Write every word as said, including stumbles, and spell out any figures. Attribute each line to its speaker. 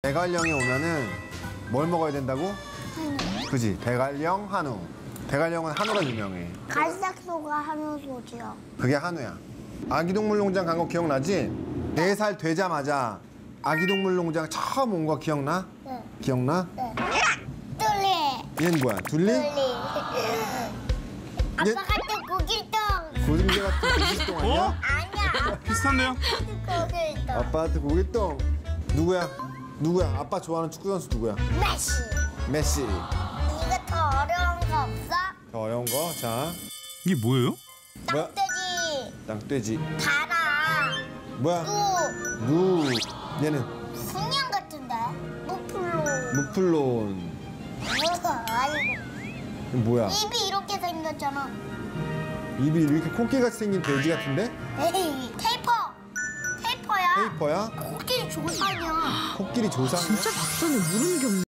Speaker 1: 대관령에 오면은 뭘 먹어야 된다고?
Speaker 2: 한우.
Speaker 1: 그지? 대관령, 한우. 대관령은 한우가 유명해.
Speaker 2: 갈색소가 한우 소지요.
Speaker 1: 그게 한우야. 아기동물농장 간 거 기억나지? 네 살 되자마자 아기동물농장 처음 온 거 기억나?
Speaker 2: 네.
Speaker 1: 기억나?
Speaker 2: 네. 뚫리.
Speaker 1: 얘는 뭐야? 둘리?
Speaker 2: 뚫리. 아빠 같은 고길동.
Speaker 1: 고등개 같은 고깃동 아니야?
Speaker 3: 어?
Speaker 2: 아니야.
Speaker 3: 비슷한데요?
Speaker 2: 고길동.
Speaker 1: 아빠한테 고깃동. 누구야? 누구야? 아빠 좋아하는 축구 선수 누구야?
Speaker 2: 메시.
Speaker 1: 메시.
Speaker 2: 이거 더 어려운 거 없어?
Speaker 1: 더 어려운 거. 자,
Speaker 3: 이게 뭐예요?
Speaker 1: 뭐야?
Speaker 2: 땅돼지.
Speaker 1: 땅돼지.
Speaker 2: 달아.
Speaker 1: 뭐야?
Speaker 2: 무.
Speaker 1: 무. 얘는
Speaker 2: 순양 같은데? 무플로.
Speaker 1: 무플론.
Speaker 2: 아이고.
Speaker 1: 이거 뭐야?
Speaker 2: 입이 이렇게 생겼잖아.
Speaker 1: 입이 이렇게 코끼리같이 생긴 돼지 같은데?
Speaker 2: 에이, 테이퍼. 테이퍼야.
Speaker 1: 페이퍼야?
Speaker 2: 코끼리 조상이야.
Speaker 1: 코끼리 조상이야?
Speaker 4: 진짜 박사는 모르는 게 없네.